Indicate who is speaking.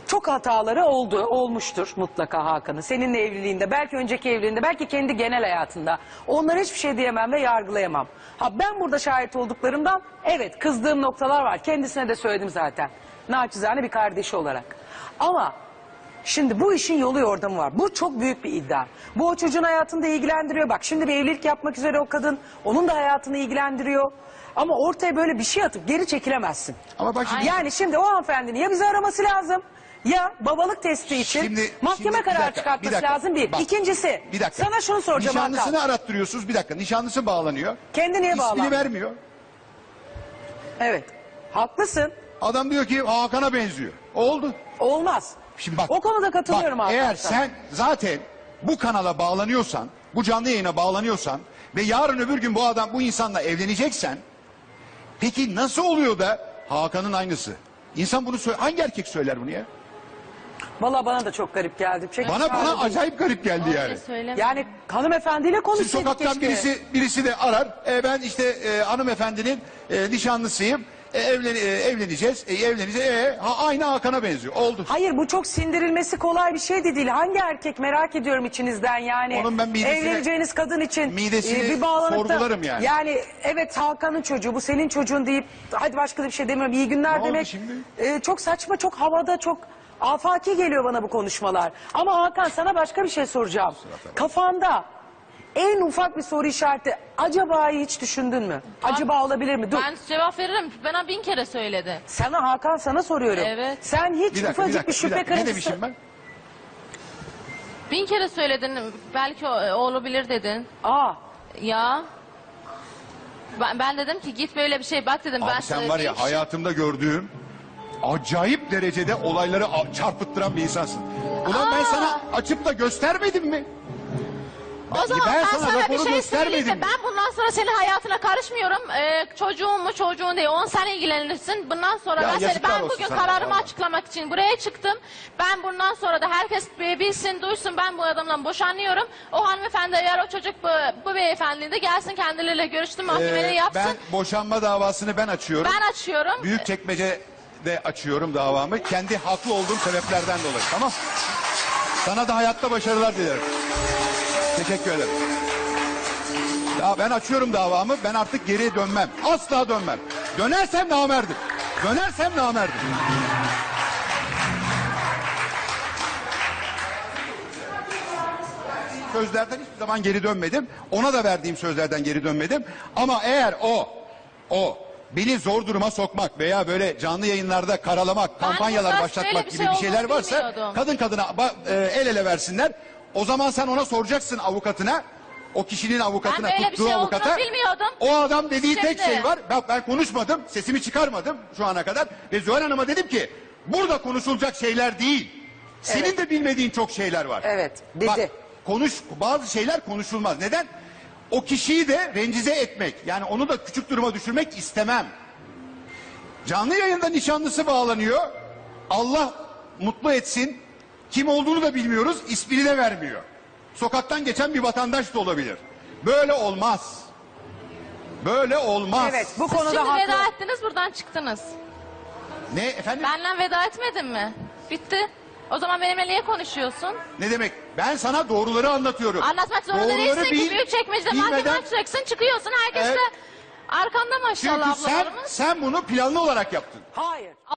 Speaker 1: çok hataları olmuştur mutlaka Hakan'ın. Seninle evliliğinde, belki önceki evliliğinde, belki kendi genel hayatında. Onlara hiçbir şey diyemem ve yargılayamam. Ha, ben burada şahit olduklarımdan evet kızdığım noktalar var. Kendisine de söyledim zaten. Naçizane bir kardeşi olarak. Ama şimdi bu işin yolu yordamı var. Bu çok büyük bir iddia. Bu o çocuğun hayatını da ilgilendiriyor. Bak şimdi bir evlilik yapmak üzere o kadın. Onun da hayatını ilgilendiriyor. Ama ortaya böyle bir şey atıp geri çekilemezsin.
Speaker 2: Ama bak şimdi...
Speaker 1: Yani şimdi o hanımefendinin ya bizi araması lazım ya babalık testi için mahkeme kararı çıkartması lazım bir.
Speaker 2: Bak,
Speaker 1: İkincisi
Speaker 2: bir dakika.
Speaker 1: sana şunu soracağım Hakan.
Speaker 2: Nişanlısını arattırıyorsunuz, bir dakika. Nişanlısı bağlanıyor.
Speaker 1: Kendi niye bağlanıyor?
Speaker 2: İsmini vermiyor.
Speaker 1: Evet haklısın.
Speaker 2: Adam diyor ki Hakan'a benziyor. Oldu.
Speaker 1: Olmaz.
Speaker 2: Şimdi bak,
Speaker 1: o konuda katılıyorum Hakan.
Speaker 2: Eğer sen zaten bu kanala bağlanıyorsan, bu canlı yayına bağlanıyorsan ve yarın öbür gün bu insanla evleneceksen, peki nasıl oluyor da Hakan'ın aynısı? İnsan bunu hangi erkek söyler bunu ya?
Speaker 1: Vallahi bana da çok garip geldi.
Speaker 2: Bana acayip garip geldi yani.
Speaker 1: Yani hanımefendiyle
Speaker 2: Siz
Speaker 1: konuşsaydık
Speaker 2: sokaktan
Speaker 1: keşke.
Speaker 2: birisi de arar. Ben işte hanımefendinin nişanlısıyım. Evleneceğiz. Aynı Hakan'a benziyor. Oldu.
Speaker 1: Hayır bu çok sindirilmesi kolay bir şey de değil. Hangi erkek merak ediyorum içinizden yani.
Speaker 2: Onun ben
Speaker 1: evleneceğiniz kadın için
Speaker 2: midesini
Speaker 1: bir bağlanıp da,
Speaker 2: sorgularım yani.
Speaker 1: Yani evet Hakan'ın çocuğu bu senin çocuğun deyip hadi başka da bir şey demiyorum. İyi günler
Speaker 2: Ne oldu
Speaker 1: demek.
Speaker 2: şimdi?
Speaker 1: Çok saçma, çok havada, çok afaki geliyor bana bu konuşmalar. Ama Hakan sana başka bir şey soracağım. Kafanda en ufak bir soru işareti acaba'yı hiç düşündün mü? Acaba olabilir mi? Dur.
Speaker 3: Ben cevap veririm. Bana 1000 kere söyledi.
Speaker 1: Sana Hakan sana soruyorum.
Speaker 3: Evet.
Speaker 1: Sen hiç ufacık bir şüphe kırıntısı...
Speaker 2: Ne demişim ben?
Speaker 3: 1000 kere söyledin. Belki olabilir dedin.
Speaker 1: Aa.
Speaker 3: Ya. Ben dedim ki git böyle bir şey bak dedim.
Speaker 2: Abi
Speaker 3: ben
Speaker 2: sen var ya hayatımda gördüğüm acayip derecede olayları çarpıttıran bir insansın. Ulan ben sana açıp da göstermedim mi?
Speaker 3: O zaman ben sana bir şey söyleyeyim
Speaker 2: göstermedim
Speaker 3: mi? Ben bundan sonra senin hayatına karışmıyorum. Çocuğun mu çocuğun değil. Sen ilgilenirsin. Bundan sonra ben bugün kararımı açıklamak için buraya çıktım. Ben bundan sonra da herkes bilsin, duysun. Ben bu adamla boşanıyorum. O hanımefendi eğer o çocuk bu beyefendiyle de gelsin kendileriyle görüştüm. Mahkemede yapsın.
Speaker 2: Ben boşanma davasını ben açıyorum.
Speaker 3: Ben açıyorum.
Speaker 2: Büyükçekmece'de açıyorum davamı. Kendi haklı olduğum sebeplerden dolayı. Tamam. Sana da hayatta başarılar dilerim. Teşekkür ederim. Ya ben açıyorum davamı. Ben artık geriye dönmem. Asla dönmem. Dönersem namerdim. Dönersem namerdim. Sözlerden hiçbir zaman geri dönmedim. Ona da verdiğim sözlerden geri dönmedim. Ama eğer o beni zor duruma sokmak veya böyle canlı yayınlarda karalamak, kampanyalar başlatmak gibi bir şeyler varsa kadın kadına el ele versinler. O zaman sen ona soracaksın avukatına, o kişinin avukatına, tuttuğu avukata. O adam dediği tek şey var. Ben konuşmadım, sesimi çıkarmadım şu ana kadar. Ve Zuhal Hanım'a dedim ki, burada konuşulacak şeyler değil. Senin de bilmediğin çok şeyler var.
Speaker 1: Evet, dedi.
Speaker 2: Bak, bazı şeyler konuşulmaz. Neden? O kişiyi de rencize etmek, yani onu da küçük duruma düşürmek istemem. Canlı yayında nişanlısı bağlanıyor. Allah mutlu etsin. Kim olduğunu da bilmiyoruz, ismini de vermiyor. Sokaktan geçen bir vatandaş da olabilir. Böyle olmaz. Böyle olmaz.
Speaker 1: Evet, bu konuda
Speaker 3: Şimdi
Speaker 1: haklı.
Speaker 3: veda ettiniz buradan çıktınız.
Speaker 2: Ne efendim?
Speaker 3: Benle veda etmedin mi? Bitti. O zaman benimle niye konuşuyorsun?
Speaker 2: Ne demek? Ben sana doğruları anlatıyorum.
Speaker 3: Anlatmak zorunda değilsin ki Büyükçekmece'de mahkeme açacaksın, çıkıyorsun herkes de arkanda maşallah
Speaker 2: Çünkü
Speaker 3: ablalarımız.
Speaker 2: sen bunu planlı olarak yaptın.
Speaker 1: Hayır.